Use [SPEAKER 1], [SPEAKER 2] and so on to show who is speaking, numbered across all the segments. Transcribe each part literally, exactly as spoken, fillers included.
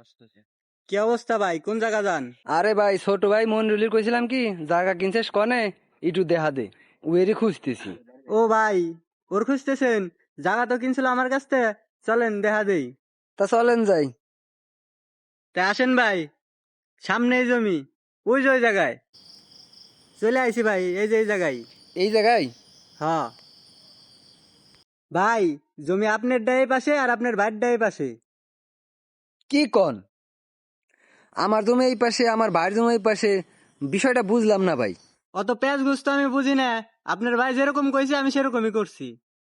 [SPEAKER 1] কি অবস্থা ভাই, কোন জায়গা যান?
[SPEAKER 2] আরে ভাই, ছোট ভাই মনরুলির কইছিলাম কি জায়গা কিনছিস কনে একটু দেখা দে, ওয়েরই খুঁজতেছি।
[SPEAKER 1] ও ভাই, ওর খুঁজতেছেন? জায়গা তো কিনছিল আমার কাছ থেকে, চলেন দেখা দেই।
[SPEAKER 2] তা চলেন যাই।
[SPEAKER 1] তা আসেন ভাই, সামনেই জমি, ওই যে ওই জায়গায় চলে আইছি ভাই, এই যে এই জায়গায়।
[SPEAKER 2] এই জায়গায়?
[SPEAKER 1] হ্যাঁ ভাই, জমি আপনার ডায়ে পাশে আর আপনার ভাইয়ের ডায়ে পাশে।
[SPEAKER 2] কি কন? আমার জমি এই পাশে, আমার ভাইয়ের জমি এই পাশে, বিষয়টা বুঝলাম না ভাই।
[SPEAKER 1] অত প্যাঁচ গুস্ত আমি বুঝি না, আপনার ভাই যেরকম কইছে আমি সেরকমই করছি।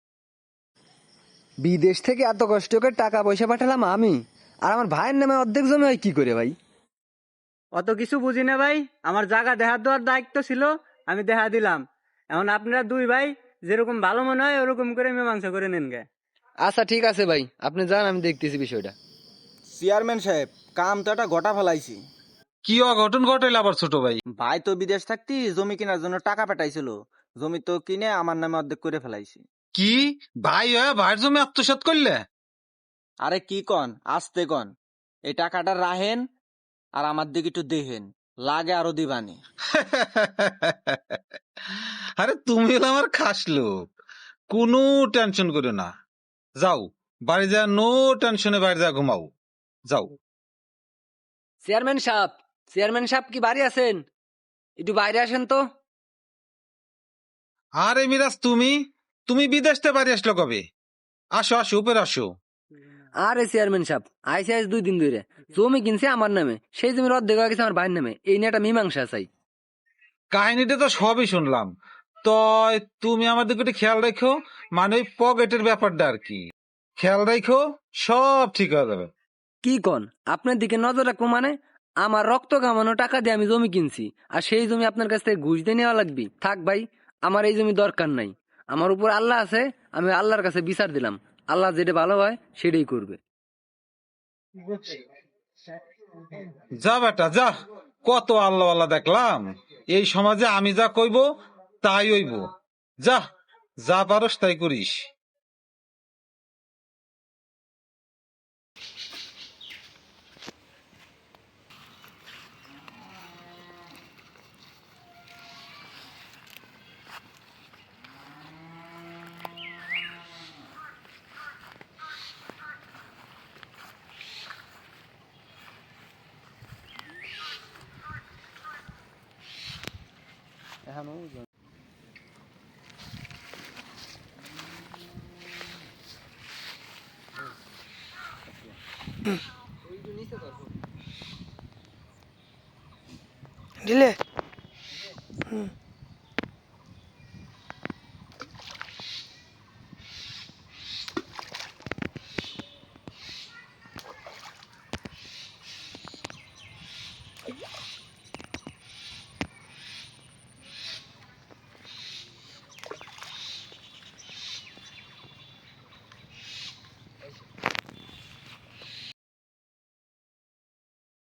[SPEAKER 2] বিদেশ থেকে এত কষ্ট করে টাকা পয়সা পাঠালাম আমি, আর আমার ভাইয়ের নামে অর্ধেক জমি হয় কি করে ভাই?
[SPEAKER 1] অত কিছু বুঝি না ভাই, আমার জায়গা দেখা দেওয়ার দায়িত্ব ছিল, আমি দেখা দিলাম। এখন আপনারা দুই ভাই যেরকম ভালো মনে হয় ওরকম করে মীমাংসা করে নেন গে।
[SPEAKER 2] আচ্ছা ঠিক আছে ভাই, আপনি যান, আমি দেখতেছি বিষয়টা।
[SPEAKER 3] চেয়ারম্যান সাহেব, কাম তো একটা গোটা ফেলাইছি।
[SPEAKER 4] কি অঘটন ঘটাইল আবার ছোট ভাই?
[SPEAKER 3] ভাই তো বিদেশ থাকতি জমি কেনার জন্য টাকা পাঠাইছিল, জমি তো কিনে আমার নামে অর্ধেক করে ফেলাইছি।
[SPEAKER 4] কি ভাই হয়ে ভাইয়ের জমি আত্মসাৎ করলে?
[SPEAKER 3] আরে কি কন, আসতে কন, এই টাকাটা রাহেন আর আমার দিকে একটু দেখেন, লাগে আরো দিবানি।
[SPEAKER 4] আরে তুমি হলো আমার খাস লোক, কোনো টেনশন করো না। যাও বাড়ি যা, নো টেনশনে বাড়ি যা ঘুমাও, যাও।
[SPEAKER 2] চেয়ারম্যান সাহেব, চেয়ারম্যান সাহেব কি বাড়ি আছেন? একটু বাইরে আসেন তো।
[SPEAKER 4] আরে মিরাজ, তুমি তুমি বিদেশ থেকে বাড়ি আসলো কবে? আসো আসো, উপরে আসো।
[SPEAKER 2] আরে চেয়ারম্যান সাহেব, আইসি আইস দুই দিন ধরে, জমি কিনছে আমার নামে, সেই জমির অর্ধেক হয়ে গেছে আমার ভাইয়ের নামে, এই নিয়ে একটা মীমাংসা চাই।
[SPEAKER 4] কাহিনীটা তো সবই শুনলাম, তো তুমি আমাদের একটু খেয়াল রেখো, মানে ওই পকেটের ব্যাপারটা আর কি, খেয়াল রেখো, সব ঠিক হয়ে যাবে।
[SPEAKER 2] কি কন, আপনার দিকে নজর রাখবো মানে? আমার রক্ত কামানো টাকা দিয়ে আমি জমি কিনছি, আর সেই জমি আপনার কাছ থেকে ঘুষ দিয়ে নেওয়া লাগবে? থাক ভাই, আমার এই জমি দরকার নাই। আমার উপর আল্লাহ আছে, আমি আল্লাহর কাছে বিচার দিলাম, আল্লাহ যেটা ভালো হয় সেটাই করবে।
[SPEAKER 4] যা বেটা যা, কত আল্লাহ আল্লাহ দেখলাম, এই সমাজে আমি যা কইব তাই হইব। যা, যা পারস তাই করিস।
[SPEAKER 5] দিলে হুম